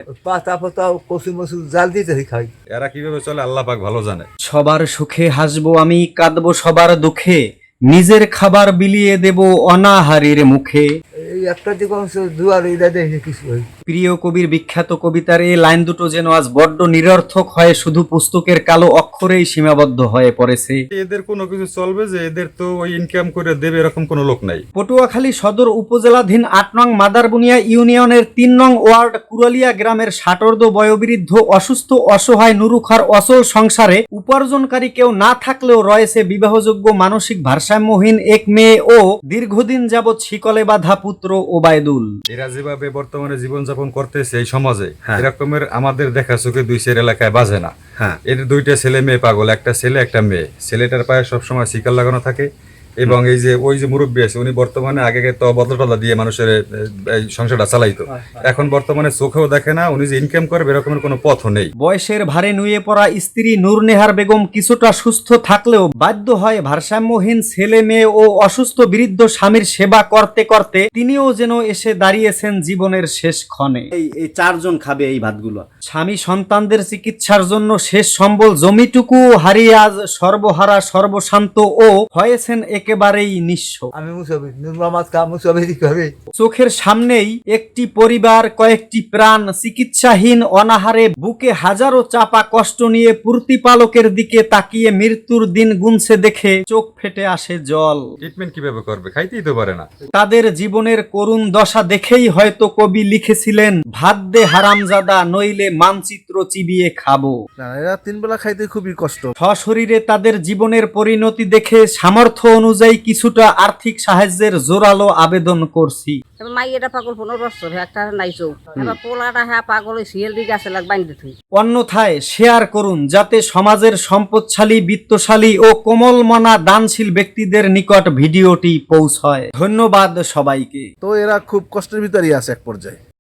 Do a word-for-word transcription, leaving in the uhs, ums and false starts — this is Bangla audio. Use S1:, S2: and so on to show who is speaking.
S1: পাতা পাতা কচু মচু জাল দিতে খাই।
S2: এরা কিভাবে চলে আল্লাহ পাক ভালো জানে।
S3: সবার সুখে হাসবো আমি, কাঁদবো সবার দুঃখে, নিজের খাবার বিলিয়ে দেব অনাহারীর মুখে।
S1: এই একটা দিকে অংশ দুয়ার এটা দেখে কিছু হয়।
S3: প্রিয় কবির বিখ্যাত কবিতার এই লাইন দুটো যেন আজ বড্ড নিরর্থক হয়ে শুধু পুস্তকের কালো অক্ষরেই সীমাবদ্ধ হয়ে পড়েছে।
S2: এদের কোনো কিছু চলবে যে এদের তো ওই ইনকাম করে দেবে এরকম কোনো লোক নাই।
S3: পটুয়াখালী সদর উপজেলাধীন আট নং মাদারবুনিয়া ইউনিয়নের তিন নং ওয়ার্ড কুরালিয়া গ্রামের ষাটোর্ধ্ব বয়োবৃদ্ধ অসুস্থ অসহায় নুরুখার অচল সংসারে উপার্জনকারী কেউ না থাকলেও রয়েছে বিবাহযোগ্য মানসিক ভারসাম্যহীন এক মেয়ে ও দীর্ঘদিন যাবৎ শিকলে বাঁধা পুত্র ওবায়দুল।
S2: এরা যেভাবে বর্তমানে জীবনযাপন করতেছে এই সমাজে, এরকমের আমাদের দেখা চোখে দুই চার এলাকায় বাজে না। এর দুইটা ছেলে মেয়ে পাগল, একটা ছেলে একটা মেয়ে। ছেলেটার পায়ে সবসময় শিকল লাগানো থাকে এবং এই যে ওই যে মুরব্বী আছে উনি বর্তমানে আগে তো বদলা টদলা দিয়ে মানুষের এই সংসারটা চালাইতো, এখন বর্তমানে চোখেও দেখে না, উনি যে ইনকাম করবে এরকমের কোনো পথও নেই।
S3: বয়সের ভারে নুয়ে পড়া স্ত্রী নূরনেহার বেগম কিছুটা সুস্থ থাকলেও বাধ্য হয় ভারসাম্যহীন ছেলে মেয়ে ও অসুস্থ বৃদ্ধ স্বামীর সেবা করতে করতে তিনিও যেন এসে দাঁড়িয়েছেন জীবনের শেষ ক্ষণে।
S4: এই এই চারজন খাবে এই ভাতগুলো।
S3: স্বামী সন্তানদের চিকিৎসার জন্য শেষ সম্বল জমিটুকু হারিয়ে আজ সর্বহারা সর্বশান্ত ও হয়েছেন একেবারেই নিঃস্ব।
S1: আমি মুসাফির নুরমামাত কা মুসাফিরি করে।
S3: চোখের সামনেই একটি পরিবার, কয়েকটি প্রাণ চিকিৎসাহীন অনাহারে বুকে হাজারো চাপা কষ্ট নিয়ে প্রতিপালকের দিকে তাকিয়ে মৃত্যুর দিন গুনছে দেখে চোখ ফেটে আসে জল।
S2: ট্রিটমেন্ট কিভাবে করবে, খাইতেই তো পারে না।
S3: তাদের জীবনের করুণ দশা দেখেই হয়তো কবি লিখেছিলেন, ভাত দে হারামজাদা নইলে মানচিত্র চিবিয়ে খাবো।
S5: না, এরা তিন বেলা খাইতে খুবই কষ্ট।
S3: সশরীরে তাদের জীবনের পরিণতি দেখে সামর্থ্য অনুযায়ী কিছুটা আর্থিক সাহায্যের জোরালো আবেদন করছি।
S6: মাইয়েটা পাগল পনেরো বছর একটা নাইছো, এবার পোলাটা হ্যাঁ পাগল সিএল দিকে আছে লাগ বাইন্দে থুই।
S3: অন্যথায় শেয়ার করুন যাতে সমাজের সম্পদশালী, বিত্তশালী ও কোমলমনা দানশীল ব্যক্তিদের নিকট ভিডিওটি পৌঁছয়। ধন্যবাদ সবাইকে।
S5: তো এরা খুব কষ্টের ভিতরেই আছে এক পর্যায়ে।